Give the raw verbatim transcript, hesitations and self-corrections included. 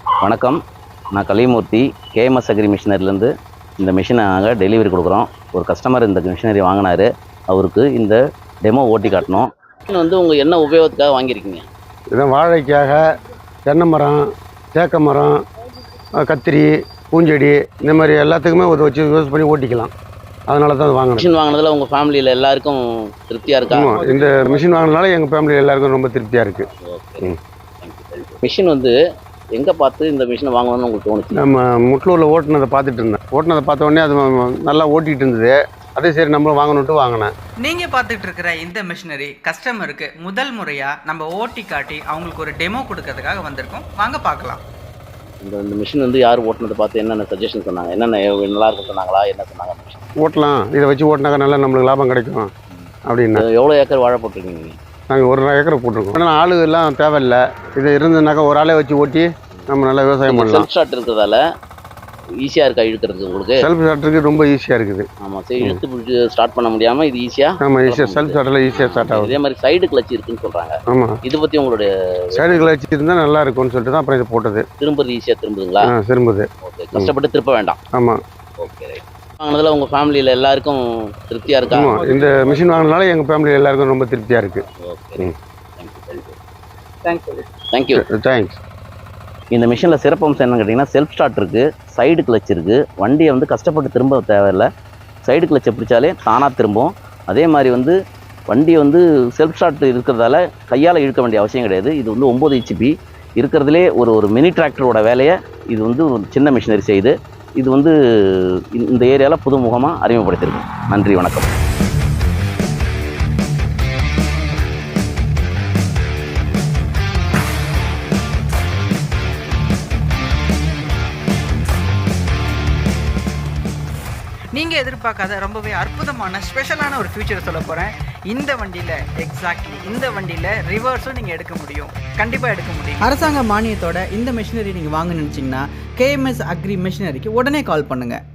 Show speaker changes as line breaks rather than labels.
வணக்கம், நான் Kalimurthy KMS agri மிஷினரிலேருந்து இந்த மிஷினை நாங்கள் டெலிவரி கொடுக்குறோம். ஒரு கஸ்டமர் இந்த மிஷினரி வாங்கினார், அவருக்கு இந்த டெமோ ஓட்டி காட்டணும். மிஷின் வந்து உங்கள் என்ன உபயோகத்துக்காக வாங்கியிருக்கீங்க?
இதான் வாழைக்காக, தென்னை மரம், தேக்க மரம், கத்திரி, பூஞ்செடி இந்த மாதிரி எல்லாத்துக்குமே ஒரு வச்சு யூஸ் பண்ணி ஓட்டிக்கலாம். அதனால தான் வாங்கினேன்.
மிஷின் வாங்கினதில் உங்கள் ஃபேமிலியில் எல்லாருக்கும் திருப்தியாக இருக்கா?
ஆமாம், இந்த மிஷின் வாங்கினால எங்கள் ஃபேமிலியில் எல்லாருக்கும் ரொம்ப திருப்தியாக இருக்குது.
ஓகே. மிஷின் வந்து எங்கே பார்த்து இந்த மிஷினை வாங்கணும்னு உங்களுக்கு தோணுச்சு?
நம்ம முட்லூரில் ஓட்டுனதை பார்த்துட்டு இருந்தேன். ஓட்டுனதை பார்த்த உடனே அது நல்லா ஓட்டிகிட்டு இருந்தது. அதே சரி நம்மளும் வாங்கணுன்ட்டு வாங்கினேன்.
நீங்கள் பார்த்துட்டு இருக்கிற இந்த மிஷினரி கஸ்டமருக்கு முதல் முறையாக நம்ம ஓட்டி காட்டி அவங்களுக்கு ஒரு டெமோ கொடுக்கறதுக்காக வந்திருக்கோம். வாங்க பார்க்கலாம்.
இந்த இந்த மிஷின் வந்து யார் ஓட்டுனதை பார்த்து என்னென்ன சஜஷன் சொன்னாங்க? என்னென்ன நல்லா இருக்கும் சொன்னாங்களா? என்ன சொன்னாங்க? மிஷின்
ஓட்டலாம், இதை வச்சு ஓட்டினாக்கா நல்லா நம்மளுக்கு லாபம் கிடைக்கும் அப்படின்னா.
எவ்வளோ ஏக்கர் வாழை போட்டிருக்கீங்க?
நாங்கள் ஒரு ஏக்கரை போட்டிருக்கோம். ஆனால் ஆளு எல்லாம் தேவையில்லை. இது இருந்ததுனாக்கா ஒரு ஆளே வச்சு ஓட்டி நம்ம நல்லா விவசாயம் பண்ணலாம்.
செல்ஃப் ஸ்டார்ட் இருக்கிறதால ஈஸியாக இருக்கா இழுக்கிறதுக்கு உங்களுக்கு?
செல்ஃப் ஸ்டார்டருக்கு ரொம்ப ஈஸியாக இருக்குது.
ஆமாம், சரி, இழுத்து பிடிச்சி ஸ்டார்ட் பண்ண முடியாமல் இது ஈஸியாக.
ஆமாம், ஈஸியாக செல்ஃப் ஸ்டார்டில் ஈஸியாக ஸ்டார்ட் ஆகும்.
இதே மாதிரி சைடு கிளச்சு இருக்குன்னு சொல்கிறாங்க.
ஆமாம்,
இதை பற்றி உங்களுடைய
சைடு கிளச்சு இருந்தால் நல்லா இருக்கும்னு சொல்லிட்டு தான் அப்புறம் இது போட்டது.
திரும்புறது ஈஸியாக திரும்புதுங்களா?
ஆ, திரும்புது.
ஓகே, கஷ்டப்பட்டு திருப்ப வேண்டாம்.
ஆமாம்.
Okay, right. வாங்கினதில் உங்கள் ஃபேமிலியில் எல்லாருக்கும் திருப்தியாக இருக்கா?
ஆமாம், இந்த மிஷின் வாங்கினால எங்கள் ஃபேமிலியில் எல்லாருக்கும் ரொம்ப திருப்தியாக இருக்குது.
Okay, thank you thank you
thanks.
இந்த மிஷினில் சிறப்பம்சம் என்னன்னு கேட்டிங்கன்னா, செல்ஃப் ஸ்டார்ட் இருக்குது, சைடு கிளச் இருக்குது. வண்டியை வந்து கஷ்டப்பட்டு திரும்ப தேவையில்லை. சைடு கிளச்சை பிடிச்சாலே தானாக திரும்பும். அதே மாதிரி வந்து வண்டி வந்து செல்ஃப் ஸ்டார்ட் இருக்கிறதால கையால் இழுக்க வேண்டிய அவசியம் கிடையாது. இது வந்து ஒம்பது ஹெச்பி இருக்கிறதுலே ஒரு ஒரு மினி டிராக்டரோட வேலையை இது வந்து ஒரு சின்ன மிஷினரி செய்யுது. இது வந்து இந்த ஏரியாவில் புதுமுகமாக அறிமுகப்படுத்தியிருக்கு. நன்றி, வணக்கம்.
நீங்கள் எதிர்பார்க்காத ரொம்பவே அற்புதமான ஸ்பெஷலான ஒரு ஃபியூச்சர் சொல்ல போகிறேன். இந்த வண்டியில் எக்ஸாக்ட்லி இந்த வண்டியில் ரிவர்ஸும் நீங்கள் எடுக்க முடியும், கண்டிப்பாக எடுக்க முடியும். அரசாங்க மானியத்தோட இந்த மிஷினரி நீங்கள் வாங்க நினச்சிங்கன்னா கேஎம்எஸ் அக்ரி மிஷினரிக்கு உடனே கால் பண்ணுங்கள்.